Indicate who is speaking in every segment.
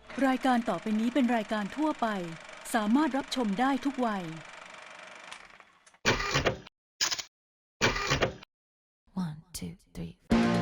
Speaker 1: รายการต่อไปนี้เป็นรายการทั่วไปสามารถรับชมได้ทุกวัย
Speaker 2: One, two, three.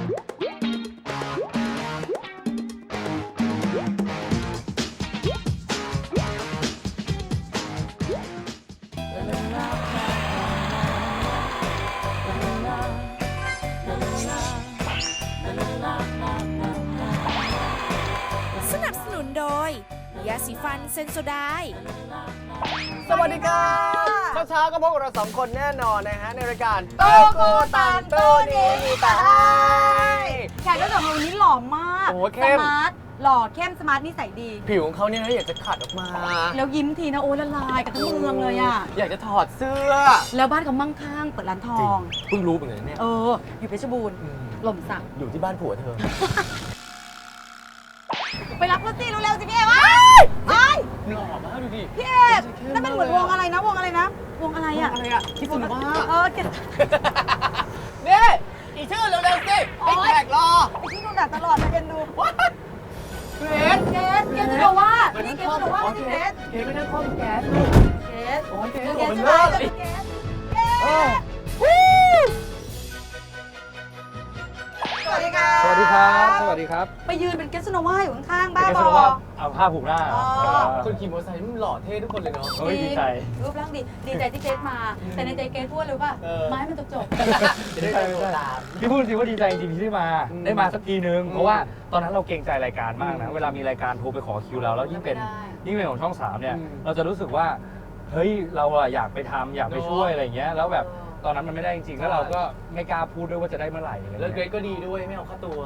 Speaker 3: สนับสนุนโดยยาสีฟันเซนโซไดน์
Speaker 4: สวัสดีครับเช้าๆก็พบกับเราสองคนแน่นอนนะฮะในรายการโตโกตันโตนี้มีแต่ให้
Speaker 5: แขกรับเชิญของเราวันนี้หล่อมาก
Speaker 4: โอ้โหเข้ม
Speaker 5: สมาร์ทหล่อเข้มสมาร์ทนิสัยดี
Speaker 4: ผิวของเขาเนี่ยอยากจะขัดออกมา
Speaker 5: แล้วยิ้มทีนะโอ้ละลายกับทั้งเมืองเลยอ่ะ
Speaker 4: อยากจะถอดเสื้อ
Speaker 5: แล้วบ้านเขามั่งคั่งเปิดร้านทอง
Speaker 4: เพิ่งรู้เหมือนกันเนี่ย
Speaker 5: อยู่เพชรบูรณ์หล่มสัก
Speaker 4: อยู่ที่บ้านผัวเธอ
Speaker 5: ไปรับรถสิเร็วๆสิพี่เอกไป
Speaker 4: หล่อมากดูดิ
Speaker 5: พี่เอกนั่นเป็นเหมือนวงอะไรนะวงอะไรนะวงอะไรอ่ะ
Speaker 4: อะไรอะคิดถึงมาก
Speaker 5: เก็บ
Speaker 4: นี่อีชื่อเร็วๆสิไอ้แขกรอ
Speaker 5: ไปที่ดูหนังตลอดมาเอ็นดู
Speaker 4: เกรซ
Speaker 5: เกสจะบอกว่านี่เกสจะบอกว่านี่เกส
Speaker 4: เกรซไม่ได้ข้อมแก๊ส
Speaker 5: เกส
Speaker 4: โอ้ยเกรซ
Speaker 5: เก
Speaker 4: โอ้
Speaker 5: ส
Speaker 4: มัน
Speaker 5: จะ
Speaker 4: เลิศ
Speaker 5: เกสเกสสวัสดีค่ะ
Speaker 6: สวัสดีครับ สวัสดีครับ
Speaker 5: ไปยืนเป็นเกสโนวาอยู่ข้างๆบ้า
Speaker 6: เป็น
Speaker 5: บ
Speaker 6: ส
Speaker 5: อ
Speaker 6: รุปว่าเอาผ้าผูกหน้า
Speaker 5: อ๋อ
Speaker 4: คนขี่มอเตอร์ไซค์มันหล่อเท่ทุกคนเลยเนาะ
Speaker 6: เฮ้ยดีใจ
Speaker 5: รูปร่างดีใจที่เกสมา แต่ในใจเกสพูดเลยว่า
Speaker 4: เออ
Speaker 5: ไม้มันจบ
Speaker 4: จะได้โดนตาม
Speaker 6: พี่พูดจริงว่าดีใจจริงๆที่ได้มา
Speaker 4: อืม
Speaker 6: ได้มาสักทีนึง
Speaker 4: อืม
Speaker 6: เพราะว่าตอนนั้นเราเกรงใจรายการมากนะ
Speaker 4: อืม
Speaker 6: เวลามีรายการโทรไปขอคิวเราแล้วยิ่งเป็น
Speaker 5: ไม่ได้
Speaker 6: ยิ่งเป็นของช่องสามเนี่ย
Speaker 4: อืม
Speaker 6: เราจะรู้สึกว่า เฮ้ย เราอะอยากไปทำอยากไปช่วย
Speaker 4: เนอะ
Speaker 6: อะไรอย่างเงี้ย แล้วแบบตอนนั้นมันไม่ได้จริงๆ แล้วเราก็ไม่กล้าพูดด้วยว่าจะได้เมื่อไหร่อะไร
Speaker 4: แล้วเกร
Speaker 6: เงี้ย
Speaker 4: ซก็ดีด้วยไม่เอาค่าตัว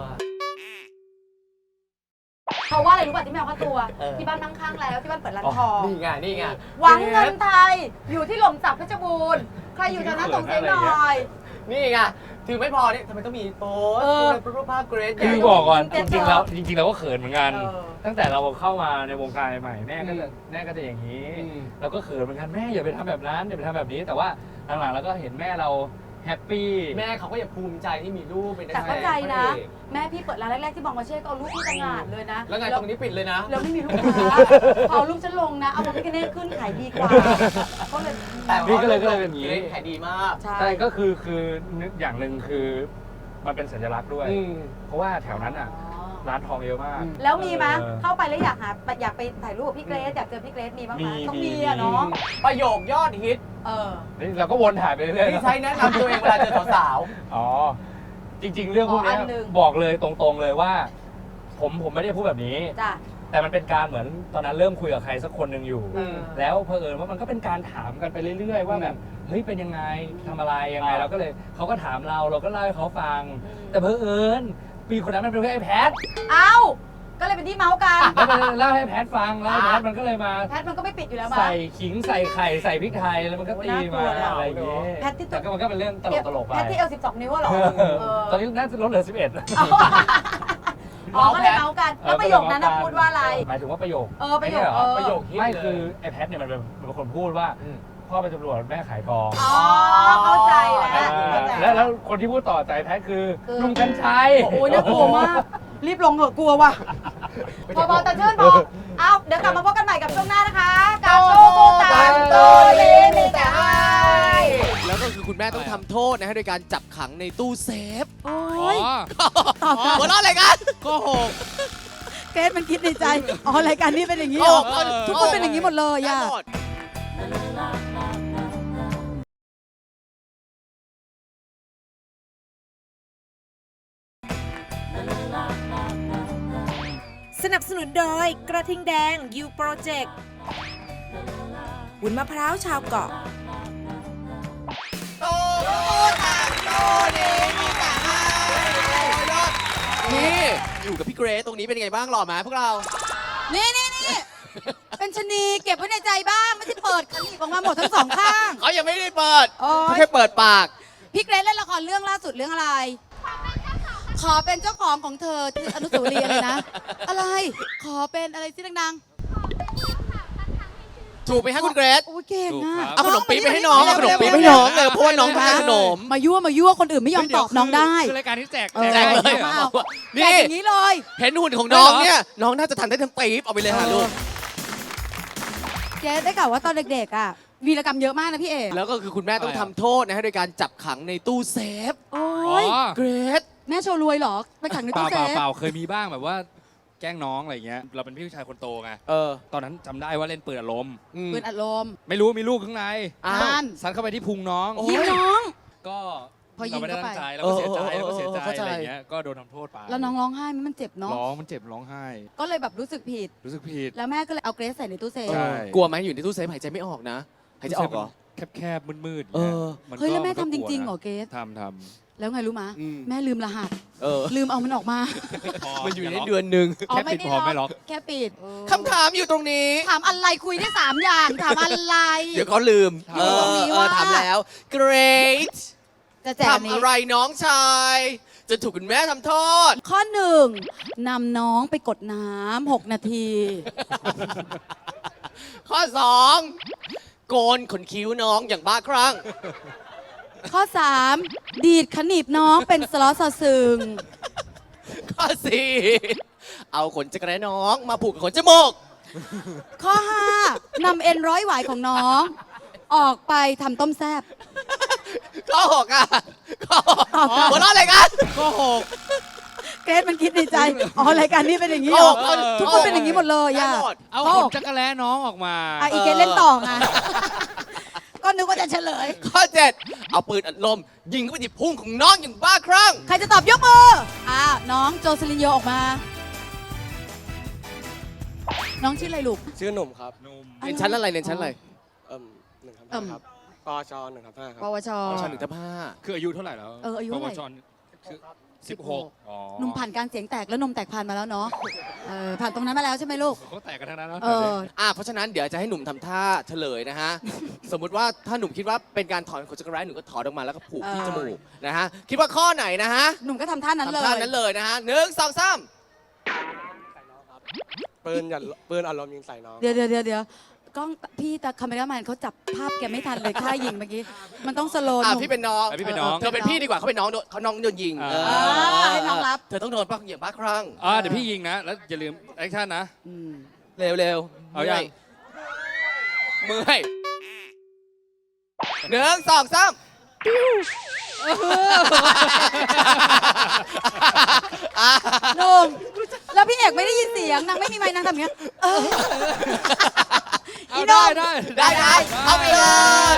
Speaker 5: เพราะว่าอะไรรู้ป่ะที่ไม่เอาค่าตัว
Speaker 4: เออ
Speaker 5: ที่บ้านนั่งข้างแล้วที่บ้านเปิดร้านทอง
Speaker 4: นี่ไงนี่ไง
Speaker 5: หวังเงินไทยอยู่ที่หล่มสักเพชรบูรณ์ใครอยู่แถวนั้นส่งเสียงหน่อย
Speaker 4: นี่ไงถือไม่พอเนี่ยทำไมต้องมีโป๊ส
Speaker 5: เออ
Speaker 4: เป็นรูปภาพเกรซ
Speaker 6: คือบอกก่อนจริงๆแล้วเราก็เขินเหมือนกัน
Speaker 5: เออ
Speaker 6: ตั้งแต่เราเข้ามาในวงการใหม่ๆแม่ก็จะอย่างนี้
Speaker 4: อืม
Speaker 6: เราก็เขินเหมือนกันแม่อย่าไปทำแบบนั้นอย่าไปทำแบบนี้ แต่ว่าหลังๆเราก็เห็นแม่เราแฮปปี้
Speaker 4: แม่เขาก็อยากภูมิใจที่มีลูกเป็นนัก
Speaker 5: แต่
Speaker 4: แสด
Speaker 5: เข้าง ใจนะ
Speaker 4: พรเอก
Speaker 5: แม่พี่เปิดร้านแรกๆที่บองมาเช่ก็เอารูปพี่ต่างหากเลยนะ
Speaker 4: แล้วไงตรงนี้ปิดเลยนะ
Speaker 5: แล้วไม่มีลูกค้าพอเอารูปฉันลงนะ เอามาพิคเนตขึ้นขายดีกว่าก็เลย
Speaker 4: แต่
Speaker 6: นี่ก็เลยเป็นอย่างนี้
Speaker 4: เกรซขายดีมาก
Speaker 5: ใช่
Speaker 6: ใช่ก็คือนึกอย่างหนึ่งคือมันเป็นสัญลักษณ์ด้วย
Speaker 4: อืม
Speaker 6: เพราะว่าแถวนั้นอ่ะร้านทองเยอะมาก
Speaker 5: แล้วมีไหม
Speaker 6: เออ
Speaker 5: เข้าไปแล้วอยากไปถ่ายรูปกับพี่เกรซอยากเจอพี่เกรซมีบ้างไหม
Speaker 6: มี
Speaker 5: ต้อง
Speaker 6: มี
Speaker 5: มีอะเนาะ
Speaker 4: ประโยคยอดฮิต
Speaker 6: นี่เราก็วนถ่ายไปเรื่อยๆ
Speaker 4: ที่
Speaker 6: นะ
Speaker 4: ใช้แนะนำตัวเองเวลาเจอสาว
Speaker 6: อ๋อ จริง ๆ เรื่องพวกเนี้ย
Speaker 5: อันหนึ่ง
Speaker 6: บอกเลยตรงๆเลยว่า ผมไม่ได้พูดแบบนี้
Speaker 5: จ้ะ
Speaker 6: แต่มันเป็นการเหมือนตอนนั้นเริ่มคุยกับใครสักคนหนึ่งอยู่
Speaker 4: อืม
Speaker 6: แล้วเผอิญว่ามันก็เป็นการถามกันไปเรื่อยๆ ว่าแบบเฮ้ยเป็นยังไงทำอะไรยังไง
Speaker 4: อ่า
Speaker 6: เราก็เลยเขาก็ถามเราก็เล่าให้เขาฟัง
Speaker 5: อืม
Speaker 6: แต่เผอิญปีคนนั้นมันเป็นไอ้แพท
Speaker 5: เอ้าก็เลยเป็นที่เมาส์กัน
Speaker 6: แล้วมันเล่าให้แพทฟังแล้วไอ้แพทมันก็เลยมา
Speaker 5: แพทมันก็ไม่ปิดอยู่แล้วมา
Speaker 6: ใส่ขิงใส่ไข่ใส่พริกไทยแล้วมันก็ตีมา
Speaker 5: โอ้น่ากลัวเลย
Speaker 6: อะไรอย่างเงี้ย
Speaker 5: แพทที่ตัว
Speaker 6: แต่ก็มันก็เป็นเรื่องตลกๆไป
Speaker 5: แพทที่เอล12 นิ้วอะเหรอ
Speaker 6: ตอนนี้น่าจะลดเหลือ 11
Speaker 5: อ๋อก็เลยเมาส์กัน แล้วประโยคนั้นนะพูดว่าอะไร
Speaker 6: หมายถึงว่าประโยค
Speaker 5: ประโยค
Speaker 6: ไม่ใช่เหรอ
Speaker 4: ประโยคฮิต
Speaker 6: ไม่
Speaker 4: เลย
Speaker 6: คือไอ้แพทเนี่ยมันเป็นคนพูดว่า
Speaker 4: อืม
Speaker 6: พ่อเป็นตำรวจแม่ขายทอง
Speaker 5: อ๋อเข้าใจแล้ว
Speaker 6: อ่า
Speaker 5: เข้าใจ
Speaker 6: แล้วคนที่พูดต่อใจแพทคือ
Speaker 5: คือ
Speaker 6: ลุงกัญชัย
Speaker 5: โอ้ยน่ากลัวมาก รีบลงเหอะกลัวว่ะพอแต่ชื่นพอเอาเดี๋ยวกลับมาพบกันใหม่กับช่วงหน้านะคะกับโตโกตันโตเลมีแต่ให้
Speaker 7: แล้วก็คือคุณแม่ต้องทำโทษนะฮะโดยการจับขังในตู้เซฟ
Speaker 5: โอ้ย
Speaker 7: หัวเราะอะไรกันโกหก
Speaker 5: เกรซมันคิดในใจ อ๋อ รายการนี้เป็นอย่างนี้
Speaker 7: โก
Speaker 5: เหร
Speaker 7: ห
Speaker 5: อก ทุกคนเป็นอย่างนี้หมดเลย
Speaker 7: ได้
Speaker 5: อ่ะ
Speaker 7: หมด
Speaker 3: สนับสนุนโดยกระทิงแดง U Project วุ้นมะพร้าวชาวเกาะ
Speaker 7: โตต่างโตนี้มีแต่ให้นี่อยู่กับพี่เกรซตรงนี้เป็นยังไงบ้างหล่อไหมพวกเรา
Speaker 5: นี่ เป็นชะนีเก็บไว้ในใจบ้าง ไม่ใช่เปิดขันอีกออกมาหมดทั้งสองข้าง
Speaker 7: เขายังไม่ได้เปิด
Speaker 5: โอ๊ย
Speaker 7: เขาแค่เปิดปาก
Speaker 5: พี่เกรซเล่นละครเรื่องล่าสุดเรื่องอะไร ขอเป็นเจ้าของของเธอที่อนุสาวรีย์อะไรนะ อะไร ขอเป็นอะไรที่ดังๆ
Speaker 7: ถูกไหมฮะคุณเกรซ
Speaker 5: โอ้ยเก่ง
Speaker 6: ถูก
Speaker 5: อ่ะ
Speaker 6: ครับ
Speaker 7: เอาขนมปี๊บไปให้น้องเอาขนมปี๊บไปให้น้องเลยเพราะว่าน้องต้องการขนม
Speaker 5: มายั่วคนอื่นไม่ยอมตอบน้องได้
Speaker 6: คือรายการที่แจก
Speaker 7: แจกเลย
Speaker 5: มาเอา
Speaker 7: นี่
Speaker 5: แจกอย่างนี้เลย
Speaker 7: เห็นหุ่นของน้องเนี่ยน้องน่าจะทำได้ทั้งปี๊บเอาไปเลยฮะลูก
Speaker 5: เจ๊ได้กล่าวว่าตอนเด็กๆอ่ะวีรกรรมเยอะมากนะพี่เอก
Speaker 7: แล้วก็คือคุณแม่ต้องทำโทษนะฮะโดยการจับขังในตู้เซฟ
Speaker 5: โอ้
Speaker 6: อ๋อย
Speaker 7: เกรซ
Speaker 5: แม่โชว์รวยเหรอไปขังใน
Speaker 6: เป
Speaker 5: ตู้
Speaker 6: ล่า
Speaker 5: เซ
Speaker 6: เปล่า
Speaker 5: ฟ
Speaker 6: เปล่าเคยมีบ้างแบบว่าแกล้งน้องอะไรเงี้ยเราเป็นพี่ชายคนโตไง
Speaker 7: เออ
Speaker 6: ตอนนั้นจำได้ว่าเล่นปืนอารมณ์
Speaker 5: ปืนอัดลม
Speaker 6: ไม่รู้มีลูกข้างใน
Speaker 7: อ้าว
Speaker 5: นั่น
Speaker 6: ซัดเข้าไปที่พุงน้อง
Speaker 7: โอ้
Speaker 5: ยิงน้อง
Speaker 6: ก็
Speaker 5: พอยิ
Speaker 6: เรา
Speaker 5: ง
Speaker 6: ไม่ได้
Speaker 5: เข้าไป
Speaker 6: ตั้งใจแล้วก็เสียใจ
Speaker 7: เออ
Speaker 6: แล้วก็เสียใจ
Speaker 7: เข้าใจ
Speaker 6: อะไรเงี้ยก็โดนทำโทษไป
Speaker 5: แล้วน้องร้องไห้ไหมมันเจ็บเนาะ
Speaker 6: ร้องมันเจ็บร้องไห้
Speaker 5: ก็เลยแบบรู้สึกผิด
Speaker 6: รู้สึกผิด
Speaker 5: แล้วแม่ก็เลยเอาเกรซใส่ในตู้เซฟ
Speaker 6: ใช่
Speaker 7: กลัวไหมอยู่ในตู้เซฟหายใจไม่ออกนะหายใจออกเหรอ
Speaker 6: แคบๆมืดๆ
Speaker 7: เออ
Speaker 6: มันก็
Speaker 5: เฮ้ยแล้วแม่
Speaker 6: นก็
Speaker 5: ทำจ
Speaker 6: กลัว
Speaker 5: ริงๆ
Speaker 6: นะ
Speaker 5: เหรอเกรซ
Speaker 6: ทำ
Speaker 5: แล้วไงรู้มะ
Speaker 7: อืม
Speaker 5: แม่ลืมรหัส
Speaker 7: เออ
Speaker 5: ลืมเอามันออกมา
Speaker 7: มันอยู่ในเดือนหนึ่ง
Speaker 5: อ๋อ
Speaker 6: แค่ปิดพอไม่ล็อก
Speaker 5: แค่ปิด
Speaker 7: คำถามอยู่ตรงนี้
Speaker 5: ถามอะไรคุยได้3 อย่างถามอะไร
Speaker 7: เดี๋ยวเขาลืม
Speaker 5: อยู่ตรงนี้ว่า
Speaker 7: ถามแล้ว Great
Speaker 5: จะแจกอัน
Speaker 7: ทำ
Speaker 5: นี้
Speaker 7: อะไรน้องชายจนถูกคุณแม่ทำโทษ
Speaker 5: ข้อ 1นำน้องไปกดน้ำ6 นาที
Speaker 7: ข้อ 2 โกนขนคิ้วน้องอย่างบ้าคลั่ง
Speaker 5: ข้อ 3 ดีดขนีบน้องเป็นสล้อสอซึง
Speaker 7: ข้อ 4 เอาขนจักรแร้น้องมาผูกกับขนจมูก
Speaker 5: ข้อ 5นำเอ็นร้อยหวายของน้อง ออกไปทำต้มแซบ
Speaker 7: ข้อ 6 อ่ะข้อหัวเราะอะไรกัน
Speaker 6: ก็หก
Speaker 5: เกรซมันคิดในใจ อ๋อรายการนี้เป็นอย่างนี้
Speaker 7: ข้
Speaker 5: เห
Speaker 7: อ
Speaker 5: รอ
Speaker 7: หก
Speaker 5: ทุกคนเป็นอย่างนี้หมดเลย
Speaker 7: ได้
Speaker 5: อ่ะ
Speaker 7: หมด
Speaker 6: เอา
Speaker 5: ข้อ
Speaker 6: ข
Speaker 5: ห
Speaker 6: น
Speaker 5: ก
Speaker 6: จักรแล้น้องออกมา
Speaker 5: อ่ะอีเกรซเล่นต่อไงก็นึกว่าจะเฉลย
Speaker 7: ข้อ 7 เอาปืนอัดลม ยิงเข้าไปที่พุงของน้องอย่างบ้าคลั่ง
Speaker 5: ใครจะตอบยกมือน้องโจเซลินโยออกมา น้องชื่ออะไรลูก
Speaker 8: ชื่อหนุ่มครับ
Speaker 6: หนุ่ม
Speaker 7: เรียนชั้นอะไรเรียนชั้นอะไร
Speaker 8: หนึ่งทับ
Speaker 5: เอิ่
Speaker 8: ห้าม ครับปอชหนึ่งทับห้าค
Speaker 5: ป
Speaker 8: รับ
Speaker 5: วช
Speaker 7: ชั้นหนึ่งทับห้า
Speaker 6: คืออายุเท่าไหร่แล้ว
Speaker 5: อายุเท่าไหร่
Speaker 6: ปวชคือ16อ๋อ
Speaker 5: หนุ่มผ่านการเสียงแตกแล้วนมแตกผ่านมาแล้วเนาะผ่านตรงนั้นมาแล้วใช่ไหมลูก
Speaker 6: เขาแตกกันทั้งนั้นแล้ว
Speaker 7: เพราะฉะนั้นเดี๋ยวจะให้หนุ่มทำท่าเฉลยนะฮะ สมมุติว่าถ้าหนุ่มคิดว่าเป็นการถอนขนจักรแร้หนุ่มก็ถอนออกมาแล้วก็ผูกที่
Speaker 5: เออ
Speaker 7: จมูกนะฮะ คิดว่าข้อไหนนะฮะ
Speaker 5: หนุ่มก็ทำท่านั้นเล
Speaker 7: ทำท่าย นั้นเลยนะฮะ1 2 3
Speaker 8: ปืนอารมณ์ยิงใส่น้อง
Speaker 5: เดี๋ยวกล้องพี่ตาคาเมราแมนเขาจับภาพแกไม่ทันเลยท่ายิงเมื่อกี้ มันต้องสโลว์หนุ่ม
Speaker 7: พี่เป็นน้อง
Speaker 6: พี่เป็นน้อง
Speaker 7: เธอเป็นพี่ดีกว่าเขาเป็นน้องเขาน้องโดนยิง
Speaker 6: อ่า
Speaker 5: ให้น้องรับ
Speaker 7: เธอต้องโดนป้าอย่างบ้าคลั่ง
Speaker 6: เดี๋ยวพี่ยิงนะ แล้วอย่าลืมแอคชั่นนะ
Speaker 5: อืม
Speaker 7: เร็วๆ
Speaker 6: เอายัง
Speaker 7: เมื่อย1 2 3
Speaker 5: หนุ่มแล้วพี่เอกไม่ได้ยินเสียงนางไม่มีไมค์นางทำอย่างเงี้ย
Speaker 6: เอา
Speaker 5: อีน้อง
Speaker 6: ได้
Speaker 7: ได้เอาไปเลย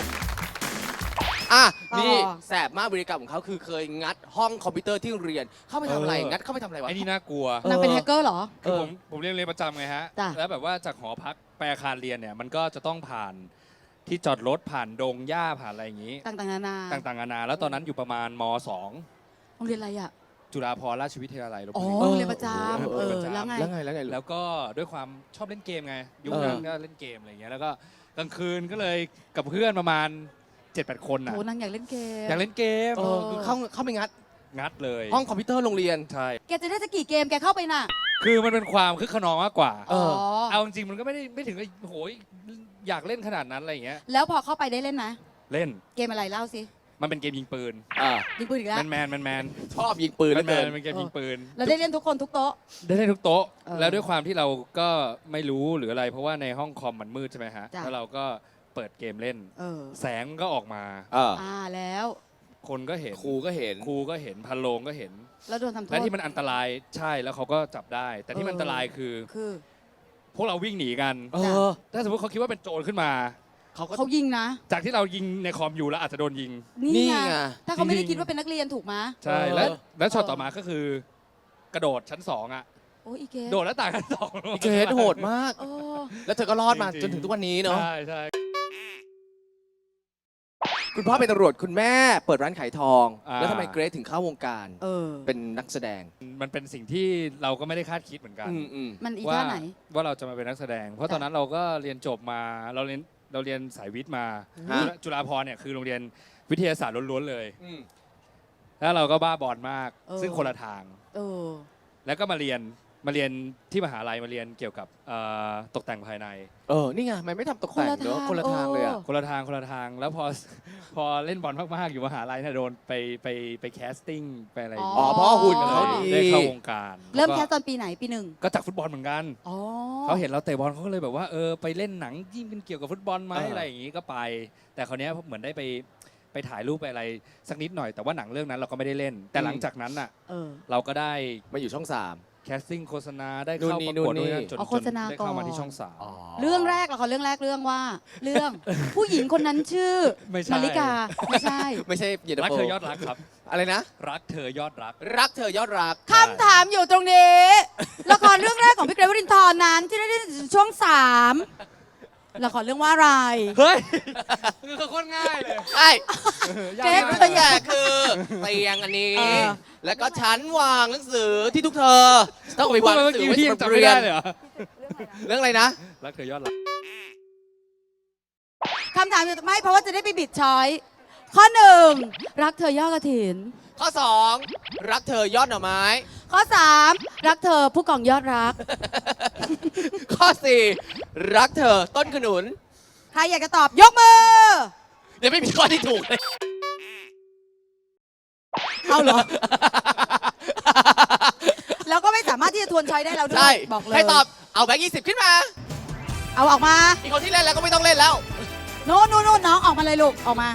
Speaker 7: นี่
Speaker 5: ต่อ
Speaker 7: แสบมากบริกรรมของเขาคือเคยงัดห้องคอมพิวเตอร์ที่เรียนเข้าไปทำอะไรงัดเข้าไปทำอะไรวะ
Speaker 6: ไอ้นี่น่ากลัว
Speaker 5: นางเป็นแฮกเกอร์เหรอ
Speaker 6: คือผมเรียนประจำไงฮะ
Speaker 5: จ้ะ
Speaker 6: แล้วแบบว่าจากหอพักไปอาคารเรียนเนี่ย มันก็จะต้องผ่านที่จอดรถผ่านดงหญ้าผ่านอะไรอย่างนี้
Speaker 5: ต่างๆนานา
Speaker 6: ต่างๆนานาแล้วตอนนั้นอยู่ประมาณม
Speaker 5: โรงเรียนอะไรอ่ะ
Speaker 6: .2 จุฬาภรณราชวิทยาลัยลพ
Speaker 5: อ๋อ
Speaker 6: บุรี
Speaker 5: โรงเรียนประจำแล้วไง
Speaker 7: แล้วไง
Speaker 6: แล้วก็ด้วยความชอบเล่นเกมไง ยุคนั้นก็เล่นเกมอะไรอย่างเงี้ย แล้วก็กลางคืนก็เลยกับเพื่อนประมาณ 7-8 คนน่ะ
Speaker 5: โหนางอยากเล่นเกม
Speaker 6: อยากเล่นเกม
Speaker 7: คือเข้าไปงัด
Speaker 6: งัดเลย
Speaker 7: ห้องคอมพิวเตอร์โรงเรียน
Speaker 6: ใช่
Speaker 5: แกจะได้สักกี่เกมแกเข้าไปน่ะ
Speaker 6: คือมันเป็นความคึกขนองมากกว่า เอาจริงๆมันก็ไม่ถึงกับโหยอยากเล่นขนาดนั้นอะไรอย่างเงี้ย
Speaker 5: แล้วพอเข้าไปได้เล่นไหม
Speaker 6: เล่น
Speaker 5: เกมอะไรเล่าสิ
Speaker 6: มันเป็นเกมยิงปืน
Speaker 5: ยิงปืนอีกแล้ว
Speaker 6: แมน
Speaker 7: ชอบยิงปืน
Speaker 6: แม
Speaker 7: เหลือเกิน
Speaker 6: นเป็นเกมยิงปืน
Speaker 5: เราได้เล่นทุกคนทุกโต๊ะ
Speaker 6: ได้เล่นทุกโต๊ะ
Speaker 5: เออ
Speaker 6: แล้วด้วยความที่เราก็ไม่รู้หรืออะไร เพราะว่าในห้องคอมมันมืดใช่ไหมฮะ
Speaker 5: จ้ะ
Speaker 6: แล้วเราก็เปิดเกมเล่น แสงก็ออกมา
Speaker 5: แล้ว
Speaker 6: คนก็เห็น
Speaker 7: ครูก็เห็น
Speaker 6: ครูก็เห็นพันโลงก็เห็น
Speaker 5: แล้วโดนทำโทษ
Speaker 6: และที่มันอันตรายใช่แล้วเขาก็จับได้ แต่ที่มันอันตรายคือ
Speaker 5: คือ
Speaker 6: พวกเราวิ่งหนีกัน ถ้าสมมติเขาคิดว่าเป็นโจรขึ้นมา
Speaker 5: เขายิงนะ
Speaker 6: จากที่เรายิงในคอมอยู่แล้วอาจจะโดนยิง
Speaker 5: นี่ไง
Speaker 7: นี่ไง
Speaker 5: ถ้าเขาไม่ได้คิดว่าเป็นนักเรียนถูกไหม
Speaker 6: ใช่แล้วช็อตต่อมาก็คือ กระโดดชั้น 2อ่ะ
Speaker 5: โอ้ยอีเก
Speaker 6: โดดแล้วต่างชั้นสอง
Speaker 7: เกรดโหดมาก
Speaker 5: โอ้
Speaker 7: แล้วเธอก็รอดมา
Speaker 6: จริงๆ
Speaker 7: จนถึงทุกวันนี้เนาะ
Speaker 6: ใช่
Speaker 7: คุณพ่อเป็นตำรวจคุณแม่เปิดร้านขายทอง แล้วทำไมเกรดถึงเข้าวงการ เป็นนักแสดง
Speaker 6: มันเป็นสิ่งที่เราก็ไม่ได้คาดคิดเหมือนกัน
Speaker 5: มันอี
Speaker 6: ว่า
Speaker 5: ท่าไหน
Speaker 6: ว่าเราจะมาเป็นนักแสดง เพราะตอนนั้นเราก็เรียนจบมาเราเรียนสายวิทย์มา
Speaker 7: ฮะ
Speaker 6: จุฬาภรณ์เนี่ยคือโรงเรียนวิทยาศาสตร์ล้วนๆเลย แล้วเราก็บ้าบอลมาก ซึ่งคนละทาง
Speaker 5: เออ
Speaker 6: แล้วก็มาเรียนมาเรียนที่มหาลัยมาเรียนเกี่ยวกับตกแต่งภายใน
Speaker 7: นี่ไงมันไม่ทำตกแต่งเนอะคนละทางเลยอ่ะ
Speaker 6: คนละทางแล้วพอเล่นบอลมากๆอยู่มหาลัยเนี่ยโดนไปแคสติ้งไปอะไรอย่างเงี้ย
Speaker 7: อ๋อเพราะว่าหุ่น
Speaker 6: ก็
Speaker 7: เขา
Speaker 6: เลย
Speaker 7: ดี
Speaker 6: ได้เข้าวงการ
Speaker 5: เริ่ม
Speaker 6: ล้ว
Speaker 5: แค
Speaker 6: ก็
Speaker 5: สตอนปีไหนปีหนึ่ง
Speaker 6: ก็จากฟุตบอลเหมือนกัน
Speaker 5: อ๋อ
Speaker 6: เขาเห็นเราเตะบอลเขาก็เลยแบบว่าไปเล่นหนังยิ่งเป็นเกี่ยวกับฟุตบอลไหม
Speaker 7: เอออ
Speaker 6: อะไรอย่างงี้ก็ไป แต่คราวเนี้ยเหมือนได้ไปถ่ายรูปไปอะไรสักนิดหน่อยแต่ว่าหนังเรื่องนั้นเราก็ไม่ได้เล่น แต่หลังจากนั้นอ่ะ
Speaker 5: เออ
Speaker 6: เราก็ได้
Speaker 7: มาอยู่ช่อง 3
Speaker 6: แคสติ้งโฆษณาได้เข้าประกวด
Speaker 7: นู่นนี่
Speaker 6: ด้วยนะจน
Speaker 5: เอาโฆษณา
Speaker 6: ได้เข้า
Speaker 5: ก่
Speaker 6: มา
Speaker 5: อน
Speaker 6: ที่ช่องสาม
Speaker 5: เรื่องแรกละครเรื่องแรกเรื่องว่า เรื่อง ผู้หญิงคนนั้นชื่อ
Speaker 6: ไม่ใช่
Speaker 5: มาริกาไม่ใช่
Speaker 7: ไม่ใช่เย็นตา
Speaker 6: รัก
Speaker 7: โฟ
Speaker 6: เธอยอดรักครับ
Speaker 7: อะไรนะ
Speaker 6: รักเธอยอดรัก
Speaker 7: รักเธอยอดรัก
Speaker 5: คำถามอยู่ตรงนี้ ละครเรื่องแรกของพี่เกรทวรินทร์นั้นที่ได้เล่นช่วง 3ละครเรื่องว่าอะไร
Speaker 6: เฮ้ยคือโคตรง่ายเลย
Speaker 7: ใช่
Speaker 5: เกรท
Speaker 7: ตัวอย่างคือเตียงอันนี้
Speaker 5: เออ
Speaker 7: แล้วก็ชั้นวางหนังสือที่ทุกเธอ ต้องเอาไป
Speaker 6: พูด
Speaker 7: วางห
Speaker 6: มา
Speaker 7: นั
Speaker 6: เมื่
Speaker 7: ง
Speaker 6: อ
Speaker 7: สือ
Speaker 6: กี้
Speaker 7: ไว้
Speaker 6: พี่ยัง
Speaker 7: สำหรับ
Speaker 6: จำไม่
Speaker 7: เรีย
Speaker 6: ได้
Speaker 7: น
Speaker 6: เลยเหรอ
Speaker 7: เรื่องอะไรนะ
Speaker 6: รักเธอยอดรัก
Speaker 5: คำถามอยู่ไม่เพราะว่าจะได้ไปบิดช้อย ข้อ 1 รักเธอยอดกระถิน
Speaker 7: ข้อ 2 รักเธอยอดหน่อไม้
Speaker 5: ข้อ 3 รักเธอผู้กองยอดรัก
Speaker 7: ข้อ 4 รักเธอต้นขนุน
Speaker 5: ใครอยากจะตอบยกมือ
Speaker 7: ยังไม่มีข้อที่ถูกเลย
Speaker 5: เอาเหรอ แล้วก็ไม่สามารถที่จะทวนช้อยได้แล้วด้ว
Speaker 7: ใช่
Speaker 5: ยบอกเลย
Speaker 7: ใครตอบเอาแบงค์20 ขึ้นมา
Speaker 5: เอาออกมา
Speaker 7: อีกคนที่เล่นแล้วก็ไม่ต้องเล่นแล้ว
Speaker 5: โน่นน้องออกมาเลยลูกออกมา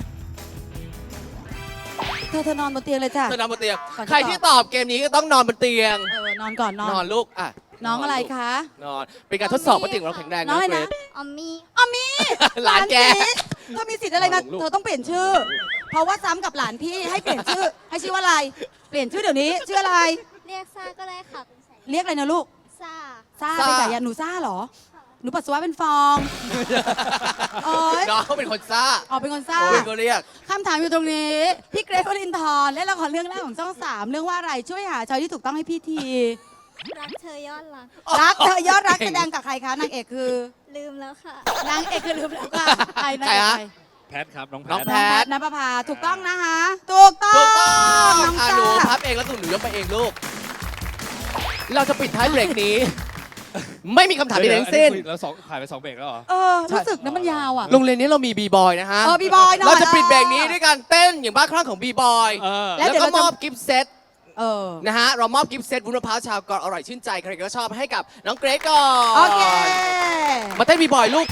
Speaker 5: เธอนอนบนเตียงเลยจ้ะ
Speaker 7: เธอนอนบนเตียง
Speaker 5: ก่อนจะ
Speaker 7: ใครที่ตอบเกมนี้ก็ต้องนอนบนเตียง
Speaker 5: นอนก่อนนอน
Speaker 7: นอนลูกอ่ะ
Speaker 5: น้องอะไรคะ
Speaker 7: นอน เป็นการทดสอบว่าเตียงของเราแข็งแรง
Speaker 5: น้องอะไร
Speaker 7: เกร
Speaker 5: นะ
Speaker 7: ซ
Speaker 9: ออมมี่
Speaker 5: ออมมี่
Speaker 7: หลานแก
Speaker 5: สิเธอมีสิทธิ์อะไรมา
Speaker 7: ลูก
Speaker 5: เธอต้องเปลี่ยนชื่อ เพราะว่าซ้ำกับหลานพี่ให้เปลี่ยนชื่อ ให้ชื่อว่าอะไร เปลี่ยนชื่อเดี๋ยวนี้ชื่ออะไร
Speaker 9: เรียกซ่าก็ได้ค่ะเป็นแสน
Speaker 5: เรียกอะไรนะลูก
Speaker 9: ซ่า
Speaker 5: ซ่า
Speaker 7: ซ่า
Speaker 5: ไปจ่ายยาหนูซ่าเหรอ หนูปัสสาวะเป็นฟอง โอ๊ย
Speaker 7: น้องเขาเป็นคนซ่า
Speaker 5: ออกเป็นคนซ่า
Speaker 7: โอ้ยก็เรียก
Speaker 5: คำถามอยู่ตรงนี้ พี่เกรทวรินทร์เล่นละครเรื่องแรกของช่อง 3 เรื่องว่าอะไรช่วยหาชอยที่ถูกต้องให้พี่ที
Speaker 9: รักเธอยอดรัก
Speaker 5: รักเธอยอดรักแสดงกับใครคะนางเอกคือ
Speaker 9: ลืมแล้วค่ะ
Speaker 5: นางเอกคือลืมแล้วค่ะใครนาง
Speaker 7: ใคร
Speaker 5: เอก
Speaker 7: ฮะ
Speaker 5: ใคร
Speaker 6: แพทครับน้องแพ
Speaker 7: น้อง
Speaker 6: ท
Speaker 7: แพ
Speaker 5: น้องแพ
Speaker 7: ท
Speaker 5: ทนภพาถูกต้องนะคะถูกต้อง
Speaker 7: ถูกต้อง
Speaker 5: น้อง
Speaker 7: อ่ะ
Speaker 5: จ้า
Speaker 7: หนูพับเองแล้วหนูยกไปเองลูก เราจะปิดท้ายเบรกนี้ ไม่มีคำถามใดๆทั้งสิ้น
Speaker 6: แล้วผ่านไป2เบรกแล้วเหรอ
Speaker 5: รู้สึกนะมันยาวอ่ะ
Speaker 7: โรงเรียนนี้เรามีบีบอยนะฮะ
Speaker 5: บีบอยหน่อย
Speaker 7: เราจะปิดเบรกนี้ด้วยการเต้นอย่างบ้าคลั่งของบีบอย
Speaker 5: แล้
Speaker 7: แล้ว ว
Speaker 5: เดี๋ยว
Speaker 7: ก็
Speaker 5: เราจะ
Speaker 7: มอบกิฟต์เซต
Speaker 5: เออ
Speaker 7: นะฮะ เรามอบกิฟต์เซตวุ้นมะพร้าวชาวเกาะอร่อยชื่นใจ ใครก็ชอบให้กับน้องเกรซก่อน
Speaker 5: โอเค
Speaker 7: มาเต้นบีบอยลูก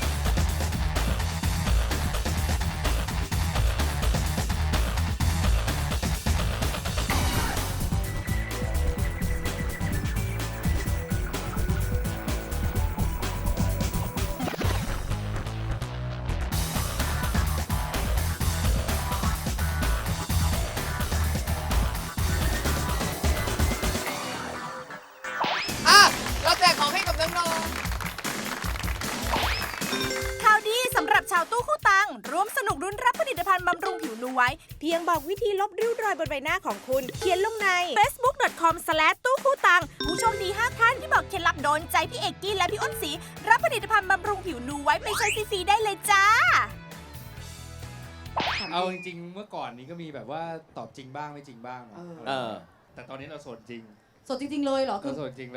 Speaker 7: อ่ะ เราแจกของให้กับน้องๆ
Speaker 3: ข่าวดีสำหรับชาวตู้คู่ตังร่วมสนุกรุ้นรับผลิตภัณฑ์บำรุงผิวนูไว้ เพียงบอกวิธีลบริ้วรอยบนใบหน้าของคุณ เขียนลงใน facebook.com/ ตู้คู่ตังผู้โชคดี 5 ท่านที่บอกเคล็ดลับโดนใจพี่เอกกี้และพี่อ้นศรีรับผลิตภัณฑ์บำรุงผิวนูไว้ไปใช้ฟรีๆได้เลยจ้า
Speaker 6: เอาจริงๆเมื่อก่อนนี้ก็มีแบบว่าตอบจริงบ้างไม่จริงบ้างเนอะ
Speaker 7: เออ
Speaker 6: แต่ตอนนี้เราโสดจริง
Speaker 5: สดจริง ๆ เลยเหรอคื
Speaker 6: เรา
Speaker 5: อ
Speaker 6: โสดจริงเลย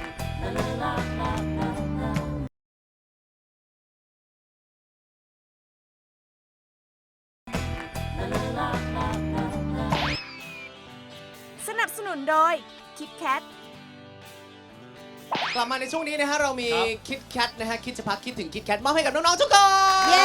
Speaker 3: สนับสนุนโดย KitKat
Speaker 7: กลับมาในช่วงนี้นะฮะ เรามี
Speaker 6: ครับ
Speaker 7: คิดแคทนะฮะ คิดจะพักคิดถึงคิดแคทมอบให้กับน้อง ๆ ทุกคน
Speaker 5: เย้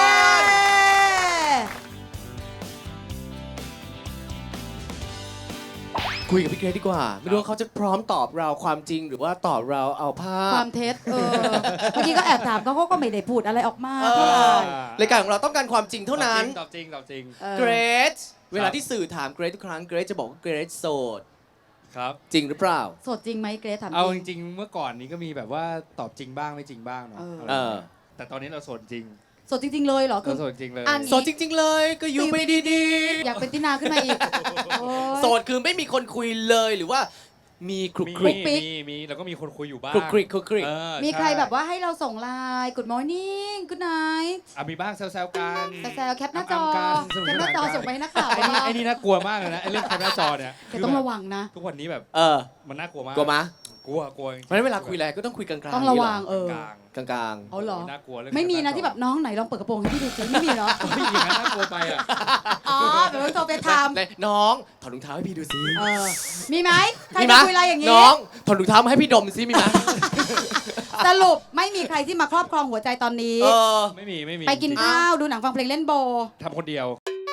Speaker 7: คุยกับพี่เกรซดีกว่า ไม่รู้ว่าเขาจะพร้อมตอบเราความจริงหรือว่าตอบเราเอาภา
Speaker 5: ค
Speaker 7: พ
Speaker 5: วามเท็จเมื่อกี้ก็แอบถามเขาก็ไม่ได้พูดอะไรออกมา
Speaker 7: เอ
Speaker 5: เท่าไหร่
Speaker 7: รายการของเราต้องการความจริงเท่านั้น
Speaker 6: ตอบจริงตอบจริง
Speaker 5: เออ
Speaker 7: เกรซเวลาที่สื่อถามเกรซทุกครั้งเกรซจะบอกว่าเกรซโสด
Speaker 6: ครับ
Speaker 7: จริงหรือเปล่า
Speaker 5: สดจริงไหมเกรทถาม
Speaker 6: เอา
Speaker 5: จ
Speaker 6: จ
Speaker 5: ริง
Speaker 6: ริงๆเมื่อก่อนนี้ก็มีแบบว่าตอบจริงบ้างไม่จริงบ้างเนาะ
Speaker 5: เออ
Speaker 6: แต่ตอนนี้เราโสดจริง
Speaker 5: สดจริง ๆ เลยเหรอคื
Speaker 6: เรา
Speaker 5: อ
Speaker 6: โสดจริงเลย
Speaker 5: อัน
Speaker 7: โสดจริง ๆ เลยก็อยู่ไปดี
Speaker 5: อยากเป็นตินาขึ้นมาอีกโอ๊ย
Speaker 7: ๆ โสดคือไม่มีคนคุยเลยหรือว่ามีคลุก
Speaker 6: มี
Speaker 7: คลิก
Speaker 5: ปิ๊ก
Speaker 6: มีแล้วก็มีคนคุยอยู่บ้าง
Speaker 7: คลุกคลิกคลุกคลิก
Speaker 6: เออ
Speaker 5: มีใคร
Speaker 6: ช่
Speaker 5: แบบว่าให้เราส่งไลน์ Good morning Good night
Speaker 6: มีบ้างแซวๆกัน
Speaker 5: แซวๆแคปหน้าจอ
Speaker 6: ำๆกันสก
Speaker 5: แคปหน้าจอส่งไปให้นักข่าว
Speaker 6: ไอ้นี่
Speaker 5: บ้าง
Speaker 6: ไอ้นี่น่ากลัวมากเลยนะไอ้เรื่องแคปหน้าจอเนี่ย
Speaker 5: แต่ต้องระวังนะ
Speaker 6: ทุกวันนี้แบบ
Speaker 7: เออ
Speaker 6: มันน่ากลัวมาก
Speaker 7: กลัวมะ
Speaker 6: กลัวจริงๆ
Speaker 7: เพราะฉะนั้นเวลาคุยอะไรก็ต้องคุยกลางๆ
Speaker 5: ต้องระวัง
Speaker 6: กลาง
Speaker 7: กลาง
Speaker 5: เอาเหรอ
Speaker 6: น่ากลัวเรื่อง
Speaker 5: ไม่มีนะที่แบบน้องไหนลองเปิดกระโปรงให้พี่ดูสิไม่มีเนาะ
Speaker 6: ผู้หญิงนั้นน่ากลัวไปอ่ะ
Speaker 5: อ๋อเดี๋ยวโทรไปท
Speaker 7: ๆเลยน้องถอดรองเท้าให้พี่ดูซิ
Speaker 5: ำมีไหมใคร
Speaker 7: มีไหม
Speaker 5: จะคุยอะไรอย่างนี้
Speaker 7: น้องถอดรองเท้ามาให้พี่ดมซิมีไหม
Speaker 5: สรุปไม่มีใครที่มาครอบครองหัวใจตอนนี้
Speaker 7: เออ
Speaker 6: ไม่มี
Speaker 5: ไปกินข้าวดูหนังฟังเพลงเล่นโบ
Speaker 6: ทำคนเดียว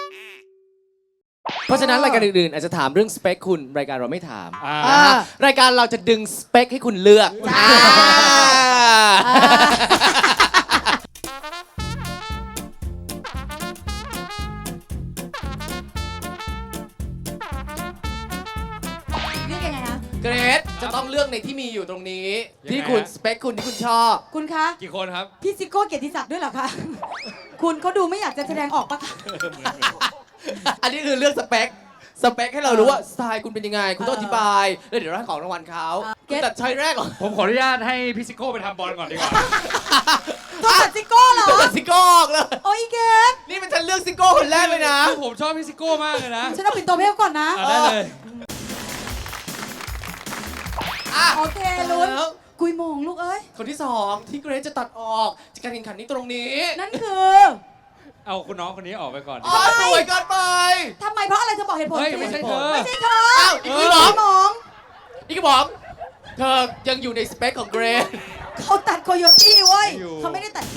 Speaker 7: เพราะฉะนั้นรายการอื่นๆอาจจะถามเรื่องสเปคคุณรายการเราไม่ถาม
Speaker 6: อ่า
Speaker 5: อ่า
Speaker 7: นะฮะรายการเราจะดึงสเปคให้คุณเลือก
Speaker 5: จ้า
Speaker 7: อ่า
Speaker 5: เรียกยังไงคะ
Speaker 7: เกรดจะต้องเลือกในที่มีอยู่ตรงนี้
Speaker 6: ยังไง
Speaker 7: ที่คุณ
Speaker 6: ฮะ
Speaker 7: สเปคคุณที่คุณชอบ
Speaker 5: คุณคะ
Speaker 6: กี่คนครับ
Speaker 5: พี่ซิโก้เกียรติศักดิ์ด้วยเหรอคะคุณเขาดูไม่อยากจะแสดงออกปะคะ
Speaker 7: อันนี้คือเลือกสเปคให้เรารู้ว่าสไตล์คุณเป็นยังไง คุณต้องอธิบายแล้วเดี๋ยวเราให้ของรางวัลเขาคุณตัดช้อยแรกเหรอ
Speaker 6: ผมขออนุญาตให้พี่ซิโก้ไปทำบอลก่อนดีกว่า
Speaker 5: ตัวตัดซิโก้เหรอ
Speaker 7: ตัดซิโก้ออกเลย
Speaker 5: โอ้ยเกด
Speaker 7: นี่มันฉันเลือกซิโก้คนแรกเลยนะ
Speaker 6: คือผมชอบพี่ซิโก้มากเลยนะ
Speaker 5: ฉันเอาปิ่นโตเพลก่อนนะ
Speaker 6: ได้เลย
Speaker 7: อ่ะ
Speaker 5: โอเคลุ้น
Speaker 7: แล้ว
Speaker 5: กุยโมงลูกเอ้ย
Speaker 7: คนที่สองที่เกรซจะตัดออกจากการแข่งขันนี้ตรงนี้
Speaker 5: นั่นคือ
Speaker 6: เอาคุณน้องคนนี้ออกไปก่อน
Speaker 7: อ๋อสวยเกินไป
Speaker 5: ทำไมเพราะอะไรเธอบอกเหตุผล
Speaker 6: เฮ้ย
Speaker 5: สิ
Speaker 6: ไม่ใช่เธอ
Speaker 5: ไม่ใช่เธอ
Speaker 7: อ้าวอีก
Speaker 5: กุ
Speaker 7: คุ
Speaker 5: ย
Speaker 7: ณหมอ
Speaker 5: โมง
Speaker 7: อีกคุณหมอเธอยังอยู่ในสเปคของเกรซ
Speaker 5: เขาตัดโคโยตี้เว้ย
Speaker 6: อยู่
Speaker 5: เขาไม่ได้ตัดแก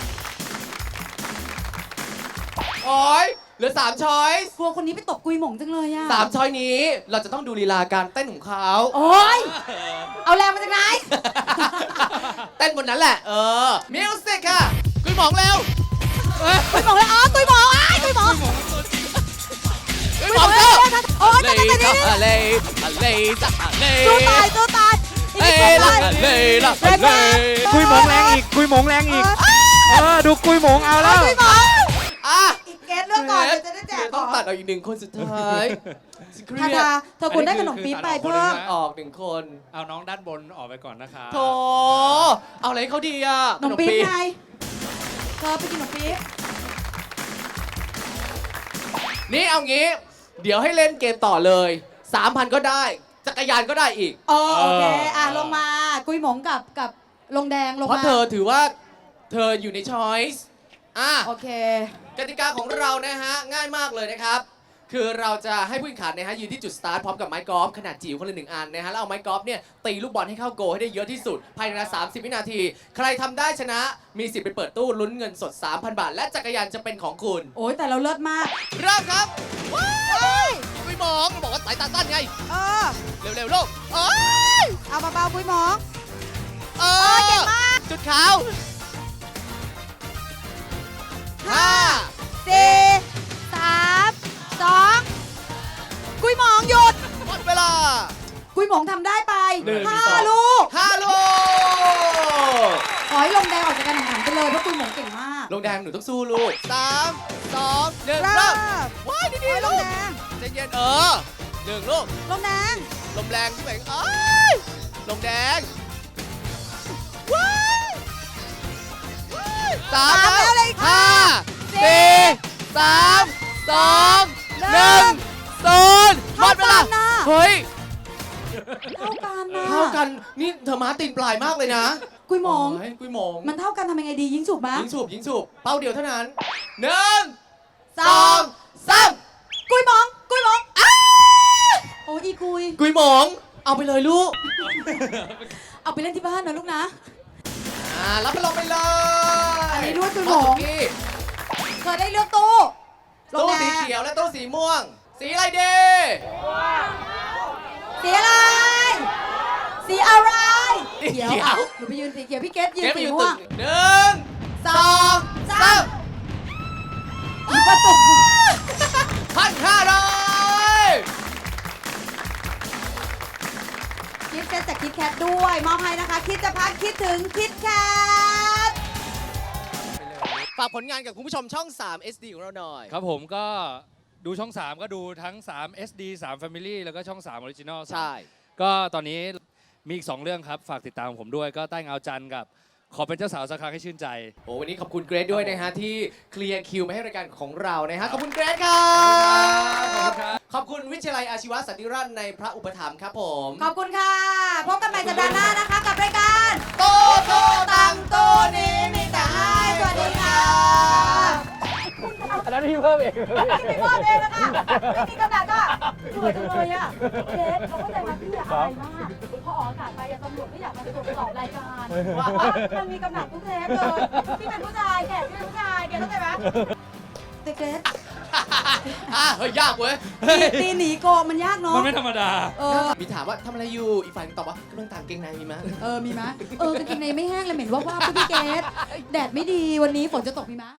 Speaker 7: โอ้ยเหลือ3ช้อยส์
Speaker 5: กลัวคนนี้ไปตบกุยหมงจังเลยอะ
Speaker 7: 3ช้อยนี้เราจะต้องดูลีลาการเต้นของเขา
Speaker 5: โอ้ยเอาแรงมาจากไหน
Speaker 7: เต้นบนนั้นแหละ มิวสิกค่ะคุณหมองเร็ว
Speaker 5: กุยหมงแล้วอ๋อกุยหมงอ้ายกุยหมง
Speaker 7: คุณหมองเร็ว
Speaker 5: โอ้ย
Speaker 7: เล
Speaker 5: จะ
Speaker 7: ย
Speaker 5: จะจะ
Speaker 7: อะไรอะไรจะอะไร
Speaker 5: สู้ตายสู้ตายอีก
Speaker 7: เอ้
Speaker 5: นิด
Speaker 7: ละ
Speaker 5: เดียว
Speaker 7: อะไรละอะไร
Speaker 6: กุยหมงแรงอีก กุยหมงแรงอีก ดูกุยหมงเอาแล้ว
Speaker 5: กุยหมง
Speaker 7: อ่ะ
Speaker 5: อีกเกตเลือกก่อนเดี๋ยวจะได้แจก
Speaker 7: ต้
Speaker 5: ข
Speaker 7: อง
Speaker 5: อง
Speaker 7: ตัดเอาอีก1 คนสุดท้ายเครี
Speaker 5: ทาย
Speaker 7: ด
Speaker 5: ทาเธอควรได้ขนมปี๊บไปเพิ่ม
Speaker 7: ออก1 คน
Speaker 6: เอาน้องด้านบนออกไปก่อนนะคะ
Speaker 7: โถเอาอะไรให้เขาดีอ่ะ
Speaker 5: ขนมปี๊บไงเธอไปกินขนมปี๊บ
Speaker 7: นี่เอางี้ เดี๋ยวให้เล่นเกมต่อเลย 3,000 ก็ได้ จักรยานก็ได้อีก
Speaker 5: โอเคลงมากุยหมงกับลงแดงลง
Speaker 7: เพราะ
Speaker 5: มา
Speaker 7: เธอถือว่าเธออยู่ในช้อยส์
Speaker 5: โอเค
Speaker 7: กติกาของเรานะฮะ ง่ายมากเลยนะครับ คือเราจะให้ผู้แข่งขันนะฮะยืนที่จุดสตาร์ทพร้อมกับไม้กอล์ฟขนาดจิ๋วคนละ1 อันนะฮะแล้วเอาไม้กอล์ฟเนี่ยตีลูกบอลให้เข้าโกลให้ได้เยอะที่สุด ภายในเวลา30 วินาที ใครทำได้ชนะมีสิทธิ์ไปเปิดตู้ลุ้นเงินสด 3,000 บาท และจักรยานจะเป็นของคุณ
Speaker 5: โอ้ยแต่เราเลิศมาก
Speaker 7: เริ่มครับว้าวไม่มองบอกว่าสายตาสั้นไง เร็วๆลูกเอ้ย
Speaker 5: เอาเบาๆกุยหมง
Speaker 7: เก่งมากจุดขาว5
Speaker 5: 4 3 2กุยหมงหยุด
Speaker 7: หมดเวลา
Speaker 5: กุยหมงทำได้ไป
Speaker 6: 1
Speaker 5: 5 ลูก
Speaker 7: 5 ลูก
Speaker 5: ขอให้ลงแดงออกจากการแข่งขันไปเลยเพราะกุยหมงเก่งมาก
Speaker 7: ลงแดงหนูต้องสู้ลูก 3 2 1 เริ่มว้ายดีๆลูกใจเย็น1 ลูก
Speaker 5: ลงแดง
Speaker 7: ลมแรงที่ไหนเอ้ยลมแดงว้ายว้าย3
Speaker 5: ตามแล้วเลยค่ะ
Speaker 7: 5 4 3 2 1 0หมดเวลา
Speaker 5: เท่ากันน่ะ
Speaker 7: เฮ้ย
Speaker 5: เท่ากันนะ
Speaker 7: เท่ากัน นี่เธอมาตีนปลายมากเลยนะ
Speaker 5: กุยหมง
Speaker 7: โอ้ยกุยหมง
Speaker 5: มันเท่ากันทำยังไงดียิงฉุบมั้ย
Speaker 7: ยิงสูบเป้าเดียวเท่านั้น1 2 3
Speaker 5: กุยหมงโอ้ยอีกุย
Speaker 7: กุยหมง เอาไปเลยลูก
Speaker 5: เอาไปเล่นที่บ้านนะลูกนะ
Speaker 7: รับไปลงไปเลย
Speaker 5: อันนี้ด้วยกุยหมง
Speaker 7: สุกี้
Speaker 5: เธอได้เลือกตู้ลง
Speaker 7: ตู้
Speaker 5: แด
Speaker 7: สี
Speaker 5: ง
Speaker 7: เขียวและตู้สีม่วง สีอะไรดี
Speaker 5: สีอะไร สีอะไร
Speaker 7: สีเขียว
Speaker 5: อ่ะหนูไปยืนสีเขียวพี่เกดยืน
Speaker 7: เกมไป
Speaker 5: สี
Speaker 7: อยู่
Speaker 5: ม่
Speaker 7: ตึ
Speaker 5: วง
Speaker 7: ก1 2 3
Speaker 5: อีประตู
Speaker 7: 1,500
Speaker 5: กิฟต์เซตจากคิดแคทด้วยมอบให้นะคะ คิดจะพักคิดถึงคิดแคท
Speaker 7: ฝากผลงานกับคุณผู้ชมช่อง 3 SD ของเราหน่อย
Speaker 6: ครับผมก็ดูช่อง 3 ก็ดูทั้ง 3 SD 3 Family แล้วก็ช่อง 3 Original
Speaker 7: ใช่
Speaker 6: ก็ตอนนี้มีอีก 2 เรื่องครับ ฝากติดตามผมด้วยก็ใต้เงาจันทร์กับขอเป็นเจ้าสาวสักครั้งให้ชื่นใจ
Speaker 7: โอ้วันนี้ขอบคุณเกรซด้วยนะฮะที่เคลียร์คิวมาให้รายการของเรานะฮะขอบคุณเกรซครับขอบคุณวิทยาลัยอาชีวสันติราษฎร์ในพระอุปถัมภ์ครับผม
Speaker 5: ขอบคุณค่ะ พบกันใหม่สัปดาห์หน้านะคะกับรายการ
Speaker 7: โตโตตังโตนี้มีแต่ให้สวัสดีค่ะ
Speaker 4: อันนั้นพี่เพิ่มเอง
Speaker 5: พี่พ่อเองนะคะไม่มีกำลังก็สวยจังเลยอ่ะเจสเขาเข้าใจว่าพี่อะอายมากพอออกอากาศไปตำรวจไม่อยากมาตรวจสอบรายการว่ามันมีกำลังทุกเทปเลยพี่เป็นผู้ชายแขกพี่เป็นผู้ชายแกเข้าใจไหมแต่เกรซ
Speaker 7: เฮ้ยยากเว้ย
Speaker 5: ตีหนีโกงมันยากเนาะ
Speaker 6: มันไม่ธรรมดา
Speaker 7: มีถามว่าทำอะไรอยู่อีกฝ่ายตอบว่ากำลังต่างเกงในมีมั้ย
Speaker 5: มีไหมกางเกงในไม่แห้งเลยเหม็นว่าพี่เกรซแดดไม่ดีวันนี้ฝนจะตกมีไหม